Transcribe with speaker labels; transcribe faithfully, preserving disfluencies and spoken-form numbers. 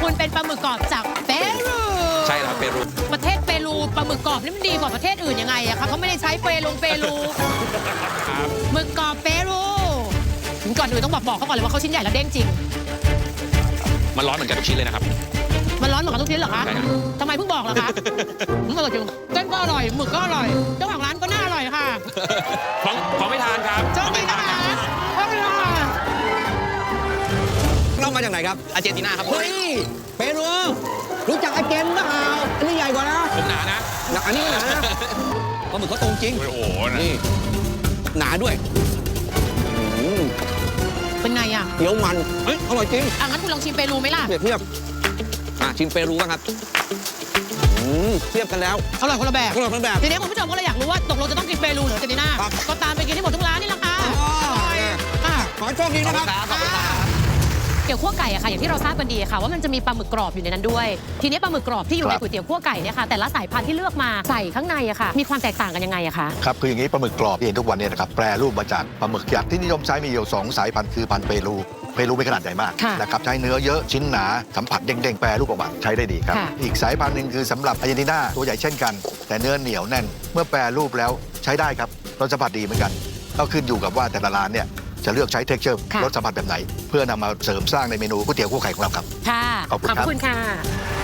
Speaker 1: คุณเป็นปลาหมึกกรอบจากเปรู
Speaker 2: ใช่ครับเปรู
Speaker 1: ประเทศเปรูปลาหมึกกรอบนี่มันดีกว่าประเทศอื่นยังไงอะคะเขาไม่ได้ใช้เปรูเปรูหมึกกรอบเปรูก่อนอื่นต้องบอกบอกเขาก่อนเลยว่าเขาชิ้นใหญ่และเด้งจริง
Speaker 2: มันร้อนเหมือนกันทุกชิ้นเลยนะครับ
Speaker 1: มันร้อนเหมือนกันทุกชิ้นเหรอคะ
Speaker 2: ใช่ครับ
Speaker 1: ทำไมเพิ่งบอกล่ะคะมันอร่อยจริงเส้นก็อร่อยหมึกก็อร่อยเจ้าของร้านก็น่าอร่อยค่ะ
Speaker 2: ของของไม่ทานครับ
Speaker 1: โชคดีนะคะขอบคุณค่ะ
Speaker 3: เรามาจากไหนครับ
Speaker 2: อาร์เจนตินาครับ
Speaker 3: เฮ้ยเปรูรู้จักอาเจนเปล่าอันนี้ใหญ่กว่านะ
Speaker 2: ผมหนานะ
Speaker 3: หนาอันนี้หนานะปลาหมึกเขาตรงจริง
Speaker 2: โอ้โห
Speaker 3: นี่หนาด้วย
Speaker 1: เป็นไงอ่ะ
Speaker 3: เดี๋ยวมันเฮ้ยอร่อยจริง
Speaker 1: อ่ะงั้นคุณลองชิมเปรูไหมล่ะ
Speaker 3: เปรียบเทียบอ่ะชิมเปรูบ้างครับเทียบกันแล้ว
Speaker 1: อร่อยคนละแบบ
Speaker 3: อร่อยคนละแบบ
Speaker 1: ทีนี้คุณผู้ชมก็เลยอยากรู้ว่าตกลงจะต้องกินเปรูหรืออาร์เจนตินาก็ตามไปกินที่หมดทุกร้านนี่แหละค่ะ
Speaker 3: ขอโชคดีนะครับ
Speaker 1: เกี่ยวคั่วไก่อะค่ะอย่างที่เราทราบกันดีค่ะว่ามันจะมีปลาหมึกกรอบอยู่ในนั้นด้วยทีนี้ปลาหมึกกรอบที่อยู่ในก๋วยเตี๋ยวคั่วไก่เนี่ยค่ะแต่ละสายพันธุ์ที่เลือกมาใส่ข้างในอะค่ะมีความแตกต่างกันยังไงอะคะ
Speaker 4: ครับคืออย่างนี้ปลาหมึกกรอบที่เห็นทุกวันนี้นะครับแปรรูปมาจากปลาหมึกยักษ์ที่นิยมใช้มีอยู่สองสายพันธุ์คือพันธุ์เปรูเปรูเป็นขนาดใหญ่มากนะครับใช้เนื้อเยอะชิ้นหนาสัมผัสเด้งๆแปรรูปออกมาใช้ได้ดีครับอีกสายพันธุ์หนึ่งคือสำหรับอาร์เจนตินาตัวใหญ่เช่นกันแต่เนื้อเหนียวแน่นเมื่อแปรรูปแล้วใช้ได้ครับรสสัมผัสดีเหมือนกันก็ขึ้นอยู่กับว่าแต่ละร้านเนี่ยจะเลือกใช้เท็กเจอร์รสสัมผัสแบบไหนเพื่อนำมาเสริมสร้างในเมนูก๋วยเตี๋ยวคั่วไข่ของเราครับ
Speaker 1: ค่ะขอบคุณค่ะ